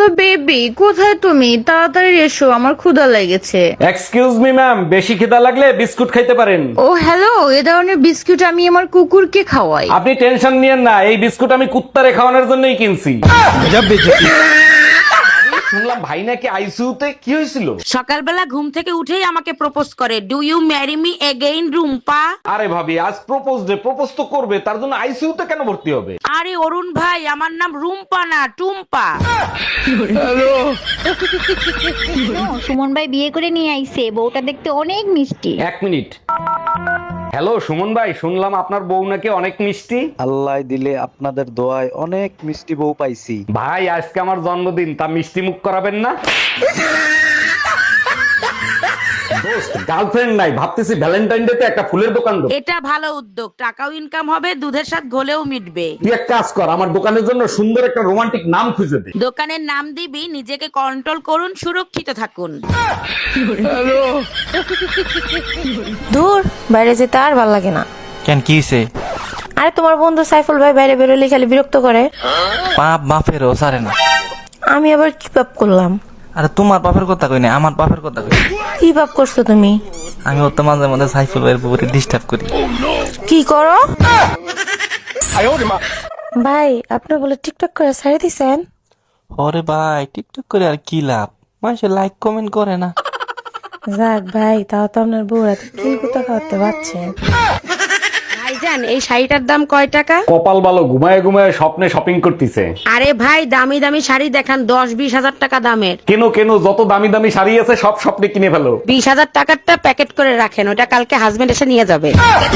Baby, কোথায় তুমি? তাড়াতাড়ি এসো, আমার ক্ষুধা লেগেছে। এক্সকিউজ মি ম্যাম, বেশি খিদা লাগলে বিস্কুট খাইতে পারেন। ও হ্যালো, এ ধরনের বিস্কুট আমি আমার কুকুরকে খাওয়াই। আপনি টেনশন নিয়েন না, এই বিস্কুট আমি কুত্তারে খাওয়ানোর জন্যই কিনছি। শুনলাম ভাই নাকি আইসিইউতে, কি হয়েছিল? সকালবেলা ঘুম থেকে উঠেই আমাকে প্রপোজ করে, do you marry me again Rumpa. আরে ভাবি, আজ প্রপোজ ডে, প্রপোজ তো করবে, তার জন্য আইসিইউতে কেন ভর্তি হবে? আরে অরুণ ভাই, আমার নাম রুম্পা না টুম্পা। সুমন ভাই বিয়ে করে নিয়ে আইছে, বউটা দেখতে অনেক মিষ্টি। এক মিনিট। হ্যালো সুমন ভাই, শুনলাম আপনার বউ নাকি অনেক মিষ্টি। আল্লাহ দিলে আপনাদের দোয়ায় অনেক মিষ্টি বউ পাইছি। ভাই আজকে আমার জন্মদিন, তা মিষ্টি মুখ করাবেন না? দোস্ত, গার্লফ্রেন্ড নাই, ভাবতেছি ভ্যালেন্টাইন ডে তে একটা ফুলের দোকান দেব। এটা ভালো উদ্যোগ, টাকাও ইনকাম হবে, দুধের সাথে ঘোলেও মিটবে। তুই এক কাজ কর, আমার দোকানের জন্য সুন্দর একটা রোমান্টিক নাম খুঁজে দে। দোকানের নাম দিবি, নিজেকে কন্ট্রোল করুন, সুরক্ষিত থাকুন। দূর, বাইরে যেতে আর ভাল লাগে না। কেন, কি হইছে? আরে তোমার বন্ধু সাইফুল ভাই বাইরে বেরোলে খালি বিরক্ত করে। পাপ বাপেরও সারে না। আমি আবার কি পাপ করলাম? আরে তোমার বাপের কথা কই না, আমার বাপের কথা কই। কি পাপ করছো তুমি? আমি ওর তো মাঝে মাঝে সাইফুল ভাইয়ের পুকুরে ডিস্টার্ব করি। কি করো? ভাই, আপনি বলে টিকটক করে ছেড়ে দিছেন? ওরে ভাই, টিকটক করে আর কি লাভ? মানুষে লাইক কমেন্ট করে না। যাক ভাই, তাও তো আপনার বউরা কি কোথা খাওয়াতে পারছেন। ভাইজান, এই শাড়িটার দাম কয় টাকা? কপাল ভালো, ঘুমায় ঘুমায় স্বপ্নে শপিং করতেছে। আরে ভাই, দামি দামি শাড়ি দেখান, 10-20 হাজার টাকা দামের। কেন কেন, যত দামি দামি শাড়ি আছে সব স্বপ্নে কিনে ফেলো। 20,000 টাকারটা প্যাকেট করে রাখেন, ওটা কালকে হাজবেন্ড এসে নিয়ে যাবে।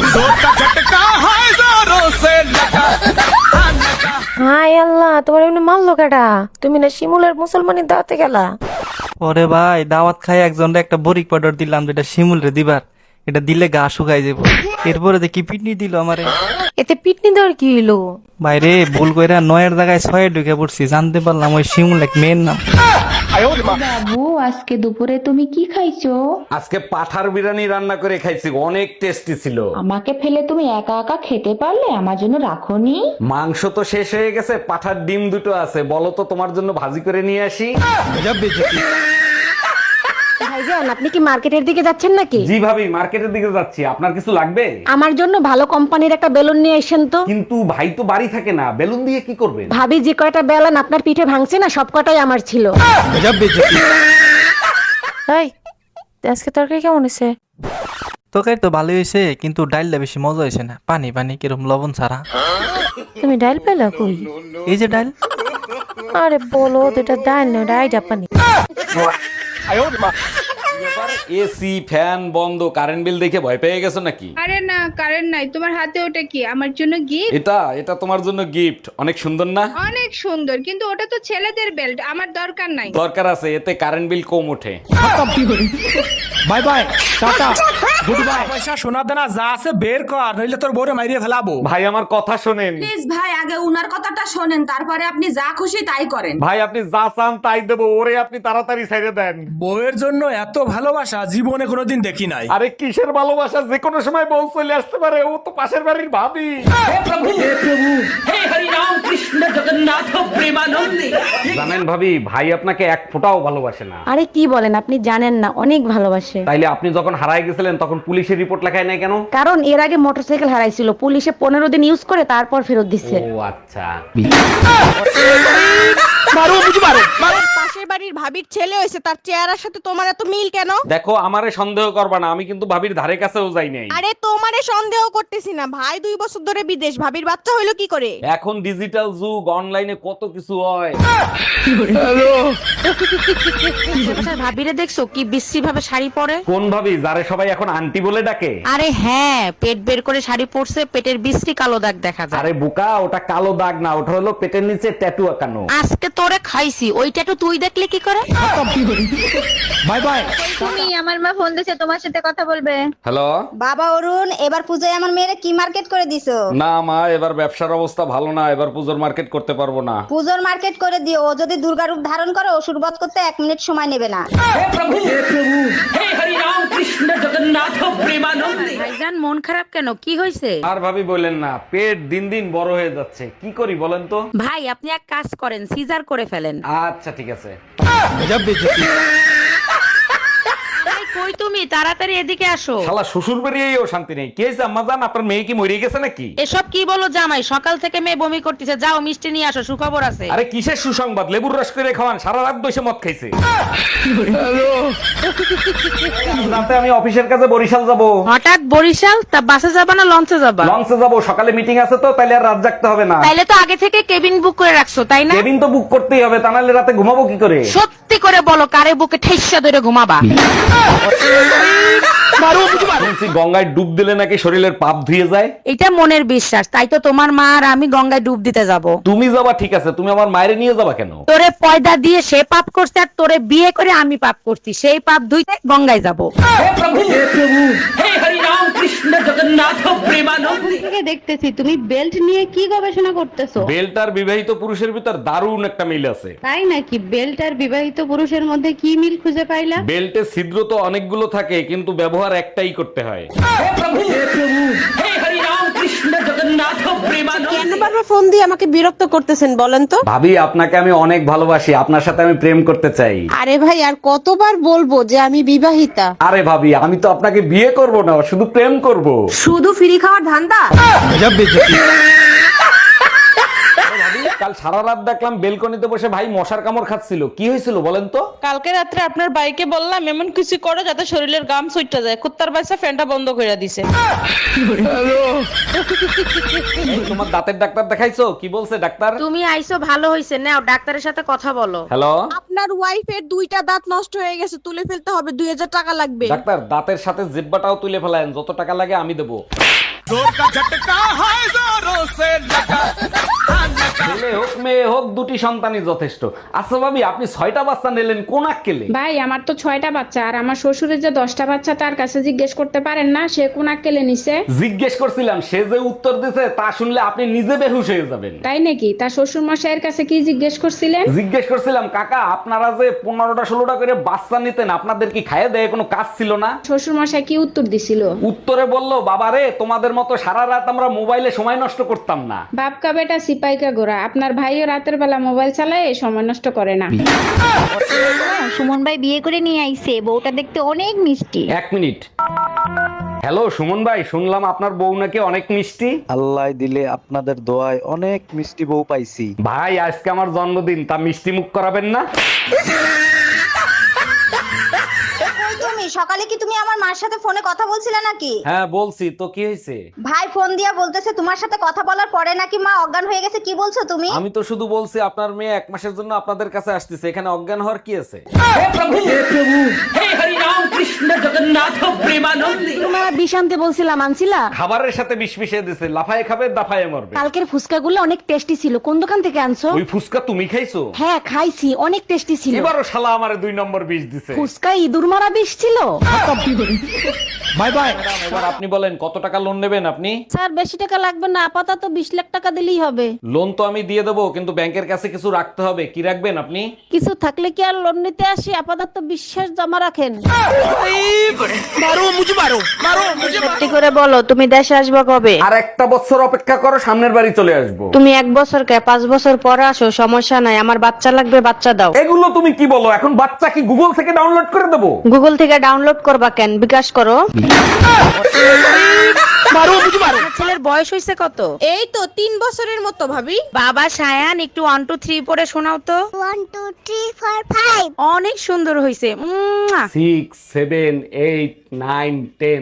হাই আল্লাহ, তোমার এমনি মারলো কেডা? তুমি না শিমুলের মুসলমানি দাওয়াতে গেলা? ওরে ভাই, দাওয়াত খাই একজনরে একটা বরিক পাউডার দিলাম, যেটা শিমুল রে দিবার। এটা দিলে গা শুকাই যাবো। এরপরে দেখি পিটনি দিল আমারে। এতে পিটনি দেওয়ার কি হইলো? বাইরে ভুল কইরা 9-এর জায়গায় 6-এ ঢুকে পড়ছি, জানতে পারলাম ওই শিমুল এক মেয়ের নাম। বাবু, আজকে দুপুরে তুমি কি খাইছো? আজকে পাঠার বিরিয়ানি রান্না করে খাইছি, অনেক টেস্টি ছিল। আমাকে ফেলে তুমি একা একা খেতে পারলে, আমার জন্য রাখোনি? মাংস তো শেষ হয়ে গেছে, পাঠার ডিম দুটো আছে, বলো তো তোমার জন্য ভাজি করে নিয়ে আসি। ভাইজান, আপনি কি মার্কেটের দিকে যাচ্ছেন নাকি? জি ভাবি, মার্কেটের দিকে যাচ্ছি, আপনার কিছু লাগবে? আমার জন্য ভালো কোম্পানির একটা বেলুন নিয়ে এসেন তো। কিন্তু ভাই তো বাড়ি থাকে না, বেলুন দিয়ে কি করবেন? ভাবি যে কয়টা বেলুন আপনার পিঠে ভাঙছে না, সব কটাই আমার ছিল। এই, আজকে তরকারি কেমন হয়েছে? তরকারি তো ভালোই হয়েছে, কিন্তু ডাইলটা বেশি মজা হয়েছে না। পানি পানি কিরম লবণ ছাড়া। তুমি ডাইল পেলা কই? এই যে ডাইল। আরে বলো, দুটা ডাইল না, ডাই জাপানি। এসি ফ্যান বন্ধ, কারেন্ট বিল দেখে ভয় পেয়ে গেছো নাকি? আরে না, কারেন্ট নাই। তোমার হাতে ওটা কি? আমার জন্য গিফট? এটা তোমার জন্য গিফট, অনেক সুন্দর না? অনেক সুন্দর, কিন্তু ওটা তো ছেলেদের বেল্ট, আমার দরকার নাই। দরকার আছে, এতে কারেন্ট বিল কম ওঠে। Bye bye, tata, good bye. পয়সা সোনা দানা যা আছে বের কর, নইলে তোর বউরে মাইরিয়ে ফেলাবো। ভাই আমার কথা শোনেন। প্লিজ ভাই, আগে উনার কথাটা শোনেন, তারপরে আপনি যা খুশি তাই করেন। ভাই আপনি যা চান তাই দেবো, ওরে আপনি তাড়াতাড়ি ছেড়ে দেন। বউয়ের জন্য এত ভালোবাসা জীবনে কোনোদিন দেখি নাই। আরে কিসের ভালোবাসা, যে কোনো সময় বউ চলে আসতে পারে, ও তো পাশের বাড়ির ভাবি। জানেন ভাবি, ভাই আপনাকে এক ফোঁটাও ভালোবাসে না। আরে কি বলেন, আপনি জানেন না, অনেক ভালোবাসে। তাইলে আপনি যখন হারায় গেছিলেন তখন পুলিশের রিপোর্ট লেখায় নাই কেন? কারণ এর আগে মোটরসাইকেল হারাইছিল, পুলিশে 15 দিন ইউজ করে তারপর ফেরত দিচ্ছে। ও আচ্ছা। পাশের বাড়ির ভাবির ছেলে হয়েছে, তার চেহারার সাথে তোমার এত মিল কেন? দেখো, আমারে সন্দেহ করবা না, আমি কিন্তু ভাবির ধারে কাছেও যাই নাই। আরে তোমারে সন্দেহ করতেছি না, ভাই 2 বছর ধরে বিদেশ, ভাবির বাচ্চা হইলো কি করে? এখন ডিজিটাল যুগ, অনলাইনে কত কিছু হয়। আশেপাশের ভাবিরে দেখছো কি বিশ্রী ভাবে শাড়ি পরে? কোন ভাবি, যারে সবাই এখন আন্টি বলে ডাকে? আরে হ্যাঁ, পেট বের করে শাড়ি পরছে, পেটের বিশ্রী কালো দাগ দেখা যায়। আরে বোকা, ওটা কালো দাগ না, ওটা হলো পেটের নিচে ট্যাটু আঁকানো। আজকে তোরে খাইছি, ওই ট্যাটু তুই দেখলে কি করে? Bye bye. তুমি আমার মা ফোন দিছে তোমার সাথে কথা বলবে। হ্যালো। বাবা অরুণ, এবার পূজায় আমার মেয়েরে কি মার্কেট করে দিছো? না মা, এবার ব্যবসার অবস্থা ভালো না, এবার পুজোর মার্কেট করতে পারবো না। পূজোর মার্কেট করে দিও, ও যদি দুর্গা রূপ ধারণ করে অসুর বধ করতে 1 মিনিট সময় নেবে না। ভাইজান মন খারাপ কেন, কি হয়েছে? আর ভাবি বললেন না, পেট দিন দিন বড় হয়ে যাচ্ছে, কি করি বলেন তো? ভাই আপনি এক কাজ করেন, সিজার করে ফেলেন। আচ্ছা ঠিক আছে। ভাই, কই তুমি? তাড়াতাড়ি এদিকে আসো। শালা শ্বশুর বেরিয়েও শান্তি নেই। কি হয়েছে আম্মা জান, আপনার মেয়ে কি মরে গেছে নাকি? এসব কি বলো জামাই, সকাল থেকে মেয়ে বমি করতেছে, যাও মিষ্টি নিয়ে আসো, সুখবর আছে। আরে কিসের সুসংবাদ, লেবুর রস করে খাওয়ান, সারা রাত বসে মদ খাইছে। রাতে আমি অফিসের কাছে বরিশাল যাব। হঠাৎ বরিশাল? তা বাসে যাবা না লঞ্চে যাবা? লঞ্চে যাব, সকালে মিটিং আছে তো, তাইলে আর রাত জাগতে হবে না। তাইলে তো আগে থেকে কেবিন বুক করে রাখছো, তাই না? কেবিন তো বুক করতেই হবে, তা নাহলে রাতে ঘুমাবো কি করে? সত্যি করে বলো, কারে বুকে ঠেসা ধরে ঘুমাবা? শুনছি গঙ্গায় ডুব দিলে নাকি শরীরের পাপ ধুয়ে যায়। এটা মনের বিশ্বাস, তাই তো তোমার মা আর আমি গঙ্গায় ডুব দিতে যাব। তুমি যাবা ঠিক আছে, তুমি আমার মায়ের নিয়ে যাবা কেন? তোরে পয়দা দিয়ে সে পাপ করছে, আর তোরে বিয়ে করে আমি পাপ করছি, সেই পাপ ধুইতে গঙ্গায় যাব। থেকে দেখতেছি তুমি বেল্ট নিয়ে কি গবেষণা করতেছো। বেল্ট আর বিবাহিত পুরুষের ভিতর দারুণ একটা মিল আছে। তাই নাকি? বেল্ট আর বিবাহিত পুরুষের মধ্যে কি মিল খুঁজে পাইলা? বেল্টে ছিদ্র তো অনেকগুলো থাকে, কিন্তু ব্যবহার একটাই করতে হয়। কেন বারবার ফোন দিয়ে আমাকে বিরক্ত করতেছেন বলেন তো? ভাবি, আপনাকে আমি অনেক ভালোবাসি, আপনার সাথে আমি প্রেম করতে চাই। আরে ভাই, আর কতবার বলবো যে আমি বিবাহিতা? আরে ভাবি, আমি তো আপনাকে বিয়ে করব না, শুধু প্রেম করব। শুধু ফ্রি খাওয়ার ধান্দা? কাল সারা রাত দেখলাম বেলকনিতে বসে ভাই মশার কামড় খাচ্ছিল, কি হয়েছিল বলেন তো? কালকে রাত্রে আপনার বাইকে বললাম এমন কিছু করো যাতে শরীরের গাম সুইটটা যায়, কুত্তার বাচ্চা ফ্যানটা বন্ধ করে দিছে। এই, তোমার দাঁতের ডাক্তার দেখাইছো? কি বলছে ডাক্তার? তুমি আইছো ভালো হইছে, নাও ডাক্তারের সাথে কথা বলো। হ্যালো আপনার ওয়াইফের 2টা দাঁত নষ্ট হয়ে গেছে, তুলে ফেলতে হবে, 2000 টাকা লাগবে। ডাক্তার, দাঁতের সাথে জিব্বাটাও তুলে ফেলায়েন, যত টাকা লাগে আমি দেবো। ছেলে হোক মেয়ে হোক, দুটি সন্তানই যথেষ্ট। আচ্ছা ভাবি, আপনি 6টা বাচ্চা নিলেন, কোন আক্কেলে? ভাই আমার তো 6টা বাচ্চা, আর আমার শ্বশুরের যে 10টা বাচ্চা, তার কাছে জিজ্ঞেস করতে পারেন না সে কোন আক্কেলে নিছে? জিজ্ঞেস করছিলাম, সে যে উত্তর দিছে তা শুনলে আপনি নিজে বেহুশ হয়ে যাবেন। তাই নাকি? তার শ্বশুর মশাইয়ের কাছে কি জিজ্ঞেস করছিলেন? জিজ্ঞেস করছিলাম, কাকা আপনারা যে 15টা 16টা করে বাচ্চা নিতেন, আপনাদের কি খাইয়ে দেয় কোনো কাজ ছিল না? শ্বশুর মশাই কি উত্তর দিছিল? উত্তরে বলল, বাবারে তোমাদের মতো সারা রাত আমরা মোবাইলে সময় নষ্ট করতাম না। বাপকা বেটা সিপাইকা গোরা, আপনার ভাইও রাতের বেলা মোবাইল চালায়, সময় নষ্ট করে না। সুমন ভাই বিয়ে করে নিয়ে আইছে, বউটা দেখতে অনেক মিষ্টি। 1 মিনিট। হ্যালো সুমন ভাই, শুনলাম আপনার বউ নাকি অনেক মিষ্টি। আল্লাহ দিলে আপনাদের দোয়ায় অনেক মিষ্টি বউ পাইছি। ভাই আজকে আমার জন্মদিন, তা মিষ্টি মুখ করাবেন না? তুমি সকালে কি তুমি আমার মার সাথে ফোনে কথা বলছিলে নাকি? হ্যাঁ বলছি তো, কি হয়েছে? ভাই ফোন দিয়া বলতেছে তোমার সাথে কথা বলার পরে নাকি মা অজ্ঞান হয়ে গেছে, কি বলছো তুমি? আমি তো শুধু বলছি আপনার মেয়ে 1 মাসের জন্য আপনাদের কাছে আসতেছে, এখানে অজ্ঞান হওয়ার কি আছে? তোমার বিষ আনতে বলছিলাম, আনছিলা? খাবারের সাথে বিষ মিশিয়ে দিছে, লাফায়ে খাবে দাফায়ে মরবে। কালকের ফুচকাগুলো অনেক টেস্টি ছিল, কোন দোকান থেকে আনছো? ওই ফুসকা তুমি খাইছো? হ্যাঁ খাইছি, অনেক টেস্টি ছিল। এবারও শালা আমারে 2 নম্বর বিষ দিছে। ফুচকা ইঁদুর মারা বিষ ছিল। Bye bye. এবার আপনি বলেন কত টাকা লোন নেবেন আপনি? স্যার বেশি টাকা লাগবে না, আপাতত 20 লাখ টাকা দিলেই হবে। লোন তো আমি দিয়ে দেবো, কিন্তু ব্যাংকের কাছে কিছু রাখতে হবে। কি রাখবেন আপনি? কিছু থাকলে কি আর লোন নিতে আসি? আপাতত বিশ্বাস জমা রাখেন। সত্যি করে বলো, তুমি দেশে আসবে কবে? আর 1টা বছর অপেক্ষা করো, সামনের বাড়ি চলে আসবো। তুমি 1 বছর কে 5 বছর পরে আসো, সমস্যা নাই, আমার বাচ্চা লাগবে, বাচ্চা দাও। এগুলো তুমি কি বলো? এখন বাচ্চা কি গুগল থেকে ডাউনলোড করে দেবো? গুগল থেকে ডাউনলোড করবা কেন, বিকাশ করো। আপনার ছেলের বয়স হয়েছে কত? এই তো 3 বছরের মতো ভাবি। বাবা সায়ান, একটু 1 2 3 পড়ে শোনাও তো। 1 2 3 4 5। অনেক সুন্দর হয়েছে। 6 7 8 9 10।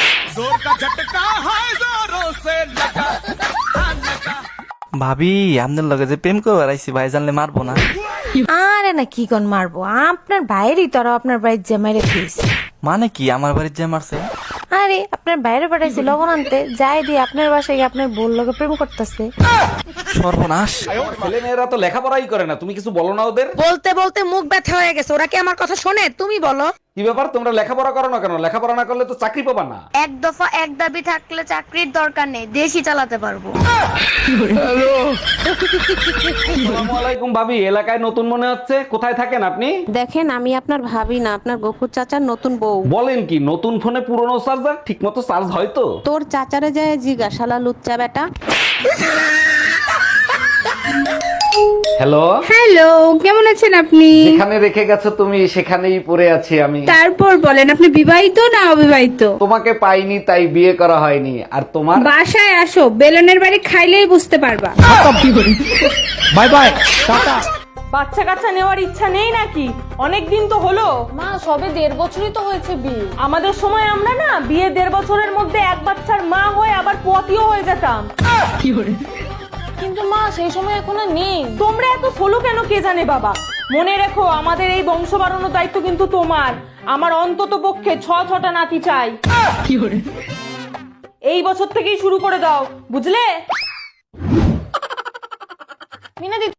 ভাবি, আপনার লগে যে প্রেম করবার আইছি, ভাই জানলে মারবো না? আরে না, কি কোন মারবো? আপনার বাইরেই তো, আপনার বাড়ির জামাইরে দিয়েছে। মানে কি আমার বাড়ির যে মারছে? আরে আরে আপনার বাইরে পাঠাইছি লবণ আনতে, যাই দিয়ে আপনার বাসায় গিয়ে আপনার বোন লোকে প্রেম করতেছে। সর্বনাশ। ছেলে মেয়েরা তো লেখাপড়াই করে না, তুমি কিছু বলো না ওদের? বলতে বলতে মুখ ব্যথা হয়ে গেছে, ওরা কি আমার কথা শোনে? তুমি বলো। কি ব্যাপার, তোমরা লেখাপড়া করো না কেন? লেখাপড়া না করলে তো চাকরি পাবা না। এক দফা এক দাবি থাকলে চাকরির দরকার নেই, দেশই চালাতে পারবো। আসসালামু আলাইকুম ভাবি, এলাকায় নতুন মনে হচ্ছে, কোথায় থাকেন আপনি? দেখেন আমি আপনার ভাবি না, আপনার গফুর চাচার নতুন বউ। বলেন কি, নতুন ফোনে পুরনো চার্জার ঠিক মতো চার্জ হয় তো? তোর চাচারে যায় জিজ্ঞাসালা লুচ্চা বেটা। হ্যালো হ্যালো, কেমন আছেন আপনি? যেখানে রেখে গেছো তুমি সেখানেই পড়ে আছি আমি। তারপর বলেন, আপনি বিবাহিত না অবিবাহিত? তোমাকে পাইনি তাই বিয়ে করা হয়নি। আর তোমার? বাসায় আসো, বেলনের বাড়ি খাইলেই বুঝতে পারবা। Bye bye tata. বাচ্চা কাচ্চা নেওয়ার ইচ্ছা নেই নাকি? অনেক দিন তো হলো। মা সবে 1.5 বছরই তো হয়েছে বিয়ে। আমাদের সময় আমরা না বিয়ে 1.5 বছরের মধ্যে এক বাচ্চার মা হয়ে আবার পতিও হয়ে যেতাম। কিন্তু মা সেই সময় এখন আর নেই। তোমরা এত সোলো কেন কে জানে বাবা। মনে রেখো, আমাদের এই বংশ বাড়ানোর দায়িত্ব কিন্তু তোমার। আমার অন্তত পক্ষে 6টা নাতি চাই। এই বছর থেকেই শুরু করে দাও, বুঝলে? মিনাদি